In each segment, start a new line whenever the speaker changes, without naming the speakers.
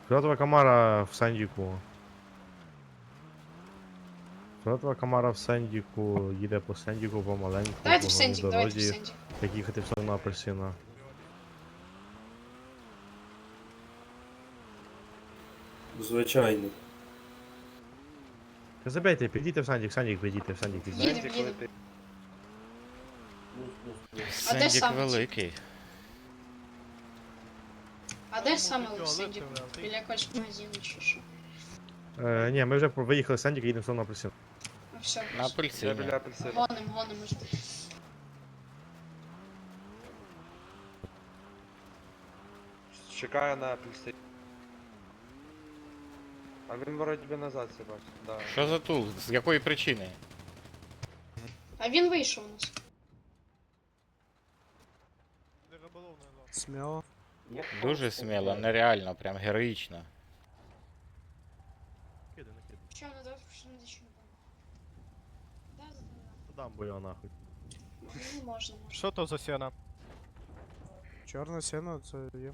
Фіолетова Камара в Сендіку. Фіолетова Камара в Сендіку, їде по Сендіку помаленьку, по
Давайте в
головній
Сендік, давайте в
дорозі,
Сендік.
як їхати в сторону апельсина.
Звичайно.
Та забейте, підійте в Сендік, підійте, в Сендік підійте.
Їдем, їдем. А де
Сендік
саме?
великий.
А де саме в Сендіку? Біля якогось магазину чи що?
Ні, ми вже виїхали з Сендіка, їдемо в сторону апельсина.
Ну все,
На апельсині.
гоним жди.
Чекаю на апельсин. А він вроді би назад себе бачить, да.
Що за тул? З якої причини?
А він вийшов у нас.
Смело.
Дуже сміло, нереально, прям героїчно.
Кидай, накидай.
Що, не дав, що не дичу. Да,
Дам бо його нахуй.
ну можна.
Що то за сіна? Чорне сіно, це є.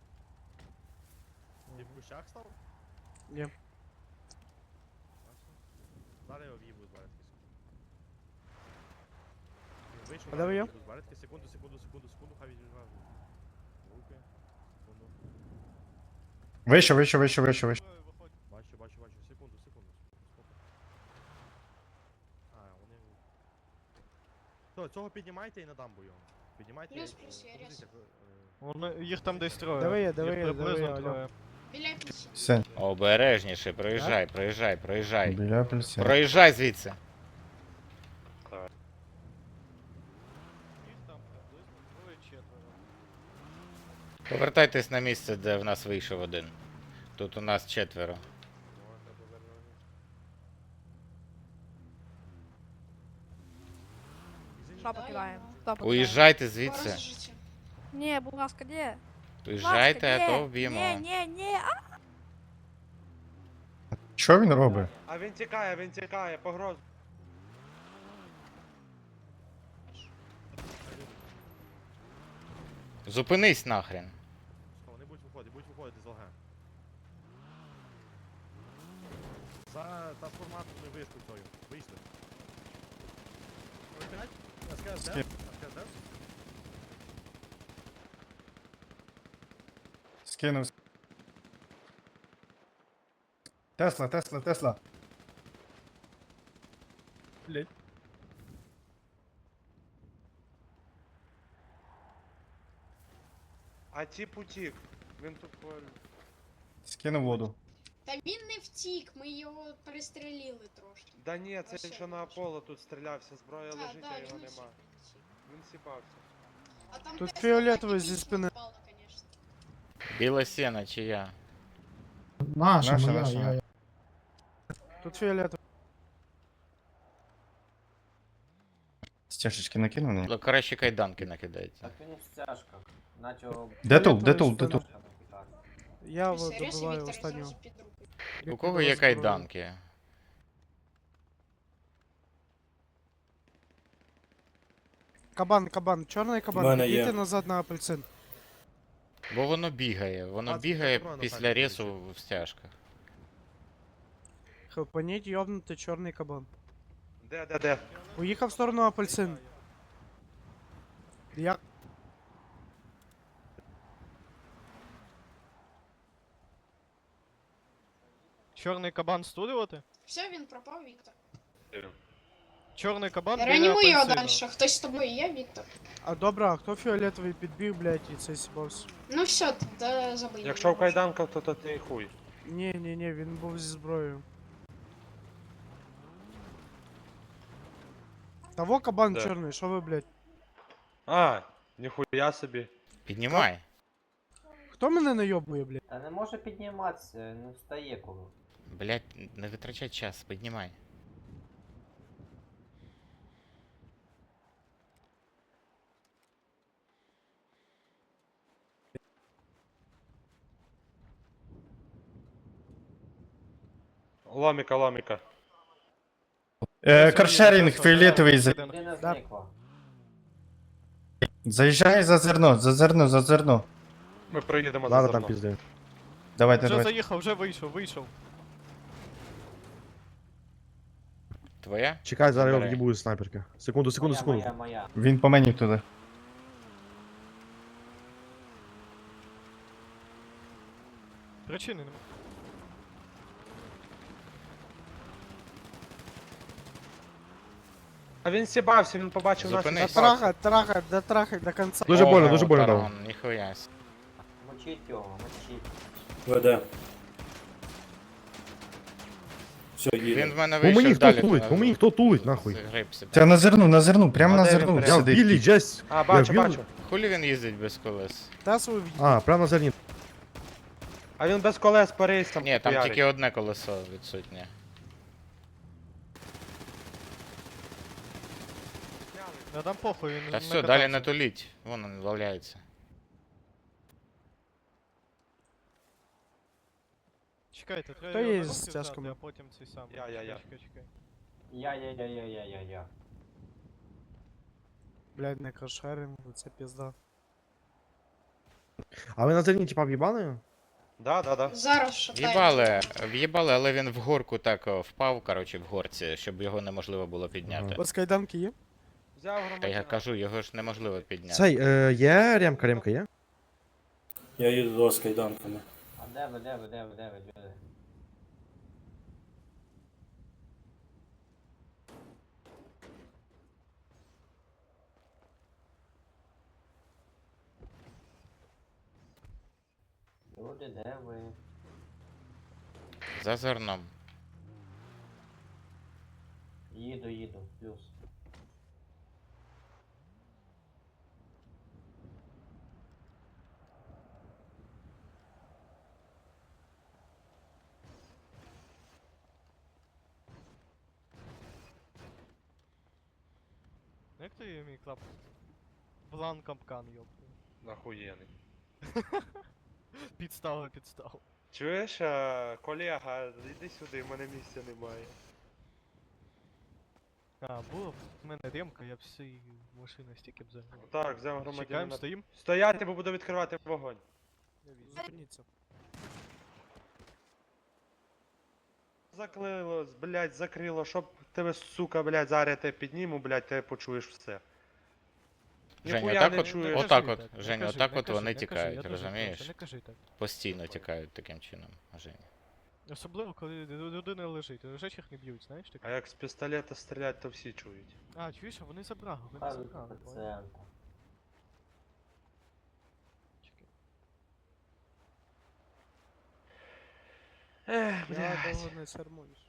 Ти в кущах став?
Ні.
Зараз його в'їбу з баретки. Вийшов,
А де ви є?
з баретки, секунду, хай відживає. Руки, секунду.
Вище.
Бачу, секунду. А, вони... То, цього піднімайте і на дамбу його. Піднімайте
Плюс,
і...
я
Подивіться,
Їх там десь троє.
Диви,
Їх
диви,
приблизно
алло.
троє.
Біля апельсина.
Сень,
Обережніше, проїжджай.
біля апельсина.
Проїжджай звідси.
Їх там приблизно троє-четверо.
Повертайтесь на місце, де в нас вийшов один. Тут у нас четверо.
Що покидаємо? Хто покидає?
Уїжджайте звідси.
Скоро життя.
Ні, будь ласка, ні.
Уїжджайте, а то
Ні,
вб'ємо.
ні.
Що він робить?
А він тікає, погроз.
Зупинись нахрен.
Вони будуть виходити з ЛГ. За трансформаторною вишкою тою. Вийшли. Опять? СКС, де? СКС, де?
Скинув. Тесла.
Блять.
А тіп утік. Він тут
Скинув воду.
Та він не втік, ми його перестрілили трошки.
Да ні, це
Все,
що на Аполло тут стрілявся, зброя
Так,
лежить, а
він
його
не
нема. Він сіпався.
А там
Тут
Тесла
фіолетовий
так і
зі спини.
впала, конечно.
Біла сіна чия?
Наша.
Тут фіолетовий.
Стяжечки накинув мені?
Ну, краще кайданки накидайте.
Так він в стяжках. Наче
Де тул?
Фіолетовий спина. Я
Все,
вот
Рез і
добиваю
Віктор
останнього.
зразу під руку.
У кого є кайданки?
Кабан, чорний
В
кабан,
мене є.
підійте назад на апельсин.
Бо воно бігає. Воно
А, це
бігає
патрона
після
так
ресу в стяжках.
Хелпаніть, йобнути чорний кабан.
Де?
Уїхав в сторону апельсин. Я...
Чорний кабан студувати?
Все, він пропав, Віктор.
Чорний кабан біля
Реанімуй його
апельсину.
далі. Хтось з тобою є, Віктор?
А добре, а хто фіолетовий підбіг, блядь, і цей сібався?
Ну все, тоді забий.
Якщо в кайданках, то ти хуй.
Ні, він був зі зброєю. Того кабан
Де?
чорний, що ви, блядь?
А, ніхуя собі.
Піднімай.
Хто мене найобує, блядь?
Та не може підніматися, не встає коли.
Блять, не витрачай час, піднімай.
Ломіка.
Каршерінг фіолетовий.
Людина зникла.
Заїжджай за зерно.
Ми проїдемо за
Зараз там
зерно.
пізди.
Давайте,
Вже
давайте.
заїхав, вже вийшов.
Твоя?
Чекай, зараз його
Забирай.
в'їбу з снайперки. Секунду.
Моя.
Він по мені туди.
Причини нема.
А він сібався, він побачив нас. і
Зупинись.
сібався.
Дотрахать до конца.
Дуже больно,
Ого,
дуже больно дав.
таран, ніхуя. с.
Мочіть його, мочіть.
Веде. Все,
Він
їде.
в мене
По мені
вийшов
хто
далі.
тулить, по мені хто тулить, нахуй.
Загрибся.
Це на зерну, прямо
А
на
де він
зерну
прям?
Я в
сидить.
білій Джес.
А, бачу,
я в
бачу.
Хулі він їздить без колес?
Та свою
А, прямо на зерні.
А він без колес по рейсам.
Ні, там
хуярить.
тільки одне колесо відсутнє.
Я дам похуй, він
Та
не
все, далі не
катався.
туліть. Вон він валяється.
Чекайте, треба
Хто
його
є
на
з
руки взяти,
тяжком?
а потім цей сам.
Я.
Чекай.
Я.
Блядь, не кошерим, це пізда.
А ви на зерні типа в'їбали?
Да.
Зараз шатаємо.
В'їбали, але він в горку так впав, коротше, в горці, щоб його неможливо було підняти.
У вас кайданки є?
Взяв
Та я
громадянина.
кажу, його ж неможливо підняти.
Цей, є ремка є?
Я їду до вас кайданками.
А де ви, люди? Люди, де ви?
За зерном.
Їду, плюс.
Як ти її мій клап? План капкан, йопу.
Нахуєний.
Підстава.
Чуєш, колега, йди сюди, в мене місця немає.
А, було б в мене ремка, я б всі машини стільки б загнав.
Так, взяв
Чекаємо,
громадянина.
стоїм.
Стояти, бо буду відкривати вогонь.
Зупиніться.
Заклило, блядь, закрило, щоб тебе, сука, блядь, зараз тебе підніму, блядь, ти почуєш все.
Женя,
Ніхуя
отак
не
от,
чуєш.
отак
кажи
от,
так, не
Женя,
кажи,
отак
не
от
кажи,
вони
не кажи,
тікають,
я дуже
розумієш?
прошу, Не кажи так.
Постійно тікають таким чином, Женя.
Особливо, коли людина лежить. Лежачих не б'ють, знаєш
А
таке?
як з пістолета стрілять, то всі чують.
А, чуєш, а вони забрали,
Кажуть,
понял?
пацієнта.
Чекай.
Ех,
Я
блядь.
довго не сармуюсь.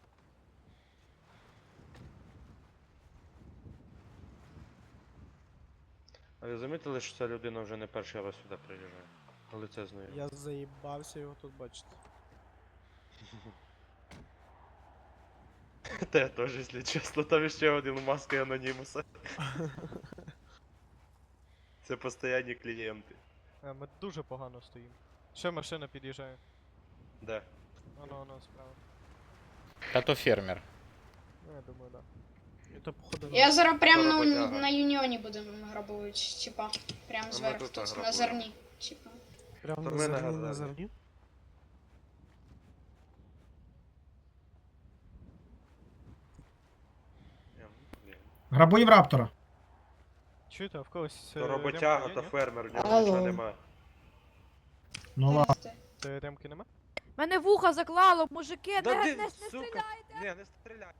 А ви замітили, що ця людина вже не перший раз сюди приїжджає? Лице знаю.
Я заїбався його тут бачити.
Те теж, якщо чесно, там ще один маска анонімуса. Це постійні клієнти.
Ми дуже погано стоїмо. Ще машина під'їжджає.
Де?
Воно справа.
Та то фермер.
Ну, я думаю, да.
І то походу
Я зараз прямо
Роботяга.
на юніоні будемо грабувати, типа. Прямо зверху
тут
тут, на
грабуємо.
зерні. Типа.
прямо
То
на
ми
зерні,
нагадали.
на зерні.
Блін.
Грабуємо раптора.
Чуєте, а в когось
То роботяга,
ремка
то
є, ні?
фермер, в нього
Алло.
нічого нема.
Ну ладно.
Ти ремки нема?
Мене вуха заклало, мужики,
Да
не,
ти,
не
сука!
стріляйте.
Ні, не стріляй.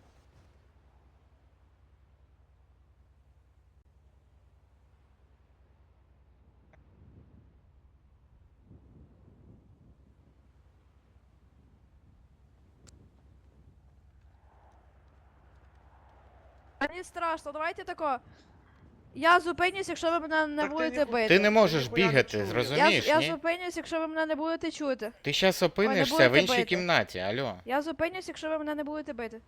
Мені страшно, давайте тако. Я зупинюсь, якщо ви мене не
Так ти
будете
ніхуя-
бити.
Ти не можеш
ніхуя не
бігати,
чую.
зрозумієш,
я
ні?
зупинюсь, якщо ви мене не будете чути.
Ти щас опинишся
будете
в іншій
бити.
кімнаті, алло.
Я зупинюсь, якщо ви мене не будете бити.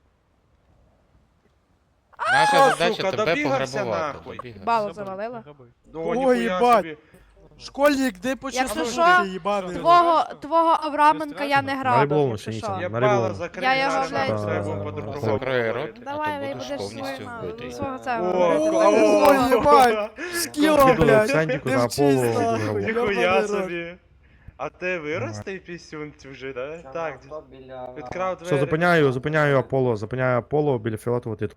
Наша
О,
задача
сука,
тебе
добігався
пограбувати.
нахуй.
добігався.
Бало
Забери,
завалила.
граби.
О,
Ой,
ніхуя
їбать!
собі.
Школьник, де почав
Якщо
служити,
що,
їбаний?
Твого Авраменка я не
Нариболовно
грабив,
ще
якщо
нічого.
що.
Я
Нарибовано.
бала закрив,
Я його,
зараз
блядь,
нам треба було по-другому
Закрой рот.
говорити.
А
Давай,
то
ви
будеш
будеш
повністю вбитий.
свого
О,
цього.
Ой, їбать! Скіла,
Відео
блядь!
Сендіку
Не
на
вчись,
полу
нахуй.
відграбував.
Ніхуя
Ёбаний рот.
собі. А ти виростий пісюнці вже, да?
Чорне
Так,
авто біля...
відкрав двері.
Все, зупиняю Аполло біля фіолетового титу.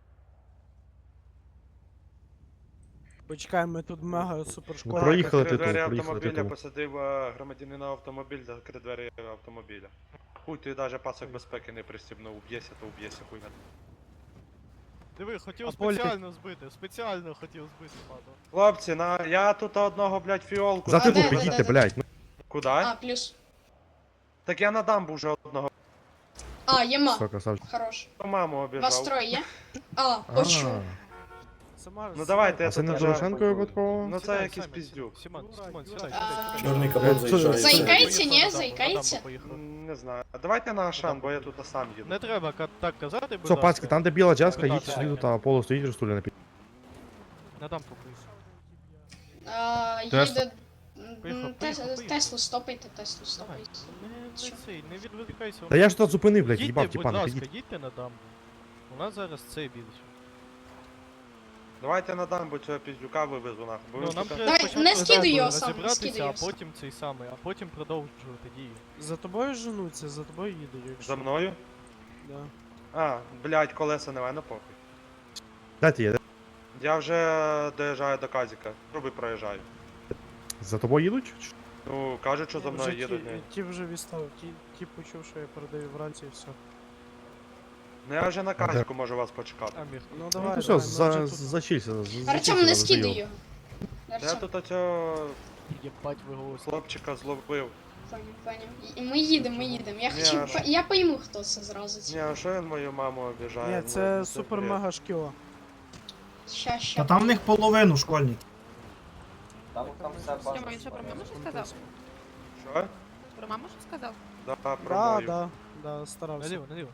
Почекай, ми тут мега супер школа.
проїхали
Закрив
титул,
двері
проїхали
автомобіля,
титул.
посадив громадянина в автомобіль, закрив двері автомобіля. Хуй, ти навіть пасок безпеки не пристібнув, уб'єся, то уб'єся, хуй.
Диви, хотів
А Поль, ти-
спеціально хотів збити, падав.
Хлопці, я тут одного, блядь, фіолку.
За
А,
титул
де, де,
підійдьте,
де?
блядь. Ну,
Куди?
А, плюс.
Так я на дамбу вже одного.
А, єма.
все, красавчик.
Хорош.
Маму
Вас
обіжав.
троє є? А, почув.
Ну давайте, я
А це
тут
не
вже...
Дорошенко випадково?
Ну це якийсь піздюк.
Сімон,
Ну,
сідай,
А,
Чорний
Е,
капот
це-
заїжджає.
Заїкається, ні?
Поїхав,
Заїкається?
на дамбу поїхав.
Не знаю. Давайте на Ашан, бо я тут сам їду.
Не треба так казати, будь
Все,
ласка.
пацки, там де біла джеска,
Будь
їдьте
ласка.
сюди, тут Аполло стоїть, розтуля на пі...
На дамбу поїхав.
Їде...
Поїхав,
Теслу стопайте, Теслу стопайте.
Не відволікайся.
Та я ж тут зупинив, блядь,
Їдьте,
їбав,
будь
тіпана,
ласка,
підіть.
їдьте на дамбу. У нас зараз це більше.
Давайте на дамбу цього піздюка вивезу нахуй. Бо
Ну,
він
нам
сука,
треба
Давай,
спочатку
не скидай його
з
сам, не
розібратися,
скидай його
а
сам.
потім цей самий, а потім продовжувати дію.
За тобою женуться, за тобою їдуть, якщо.
За мною?
Да.
А, блядь, колеса немає, ну похуй.
Дайте є,
Я вже доїжджаю до Казіка. Труби проїжджаю.
за тобою їдуть?
Ну, кажуть, що за мною
Вже
їдуть.
ті вже відстав, ті почув, що я передаю вранці і все.
Ну я вже на Казіку можу вас почекати.
Амір.
Ну
Ну
давай,
то все,
давай, ми вже тут.
зачілься.
Артем, не скидай його.
Я
Артем,
тут оцього
Єбать ви голоси.
хлопчика зловив.
поняв. І ми їдемо. Я
Ні,
хочу...
а
Я пойму, хто це зразу.
Ні, а що він мою маму обіжає?
Ні,
Ну,
це супер
бред.
мега шкіла.
Ща.
Та там в них половину школьників.
Там все бачно.
Він що про маму щось сказав?
Що?
Про маму щось сказав?
Да, про
Да,
мою.
да, старався.
Наліво.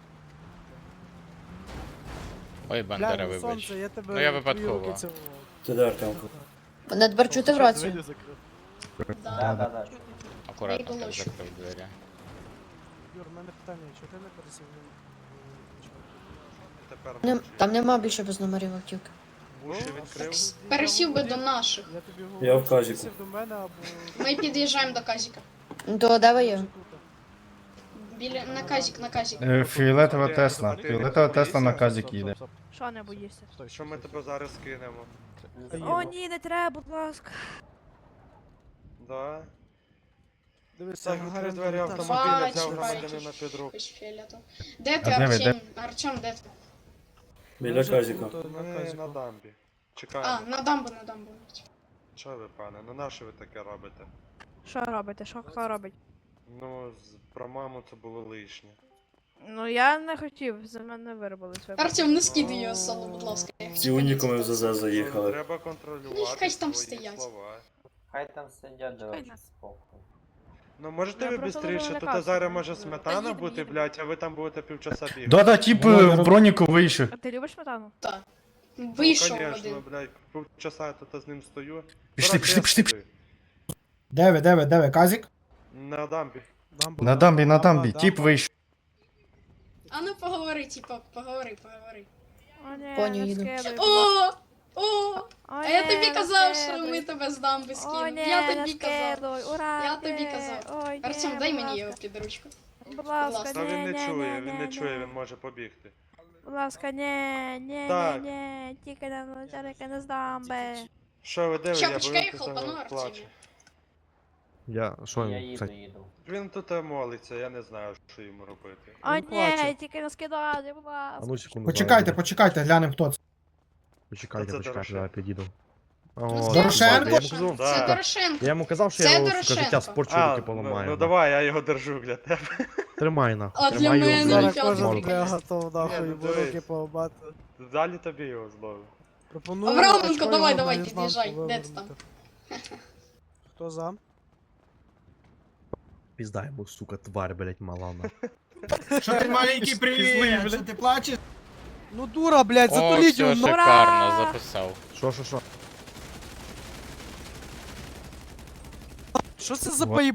Ой, Бандера,
Глянь,
вибач.
сонце, я тебе
Ну, я
в твої
випадково.
руки цілував.
Ти де, Артемко?
Мене тепер чути в
Двері закрив.
Да.
Акуратно так
Найголовше.
закрив двері.
Юр, в мене питання, чого ти не пересів?
Тепер
Там нема більше без номерів автівки.
уші відкрив.
Пересів би до наших.
Я тобі говорю,
Я в
що
Казіку.
сів до мене або...
Ми під'їжджаємо до Казіка.
То де ви є?
Біля... На Казік.
Фіолетова
Ти-
Тесла.
ти-
Фіолетова
ти-
Тесла на
ти-
казік їде.
Що не боїшся?
Що ми тебе зараз кинемо?
О, ні, не треба, будь ласка.
Да.
Дивися,
Так, відкрив
Гагарин
двері
літав.
автомобіля, взяв
Бачу,
громадянина
бачу.
під руку.
Якось фіолетово. Де ти,
А де ви,
Артем? Артем, де ти?
Біля
Вже
Казіка.
тут, на
Ми
Казіку.
на дамбі.
А,
Чекаємо.
на дамбу.
Що ви, пане? Ну на що ви таке робите?
Що робите? Що хто робить?
Ну, про маму це було лишнє.
Ну я не хотів, за мене виробили своє.
Артем, не скидай його з салу, будь ласка.
Всі унікуми в ЗЗ заїхали.
Треба контролювати
Нехай там
свої
стоять.
слова.
Хай там сидять, до речі,
нас.
спокою.
Ну можете
Я
ви
просто
бистріше?
дуже
Тут
лякався.
зараз може
Та
сметана
їду,
бути,
їду.
блядь, а ви там будете півчаса бігати.
Да-да, тип в броніку вийшов.
А ти любиш сметану?
Вийшов
Ну, конечно,
один.
блядь, півчаса я тут з ним стою.
Пішли,
Коротше,
пішли,
я
пішли.
стою.
Де ви, казік?
На дамбі.
На дамбі, тип вийшов.
А ну поговори, типа, поговори.
О, ні,
Поні,
не
їду.
скидай.
О! А я тобі казав, що ми тебе з дамби
О,
скинемо.
ні,
Я
не
тобі казав.
скидуй, ура,
Я тобі
ні.
казав.
Ой, ні,
Артем, дай
будь
мені
ласка.
його під ручку.
Будь ласка,
Та
ні,
він не
ні,
чує,
ні,
він не
ні,
чує,
ні.
він може побігти.
Будь ласка, ні,
Так.
тільки на тільки не з дамби.
Що ви де
Що,
я
почекай,
він тут
хлопану,
плаче.
Артемі.
Я, що
Я
він,
їду,
кстати?
їду.
Він тут молиться, я не знаю, що йому робити.
О,
Він плаче.
ні, тільки не скидати, будь
А
ласка.
ну секунду.
Почекайте, глянемо хто це.
Почекайте,
Це
почекайте,
Дорошенко.
я підійду.
Ну,
О,
скажи,
Дорошенко?
я йому казав,
Да.
Це Дорошенко.
я йому казав, що
Це
я його, сука,
Дорошенко.
життя спорчу,
А,
руки поламаю.
ну давай, я його держу для тебе.
Тримай нахуй.
А для
тримай його,
мене
блядь.
Зараз
Фіолетовий
кожен
Можна.
бля готов нахуй,
Ні,
бо
ну,
руки
дивись.
поламати.
Далі тобі його зловив.
Пропоную
Авраменко,
очко
давай,
його
давай,
наізнанку
під'їжджай. Де ти
вивернути. Хто за?
Пізда йому, сука, тварь, блядь, мала нахуй.
Що ти маленький привіт? Що ти плачеш?
Ну дура, блядь,
О,
затуліть
все,
його, ну.
шикарно, записав.
Що?
Що це за
Вот.
поїб...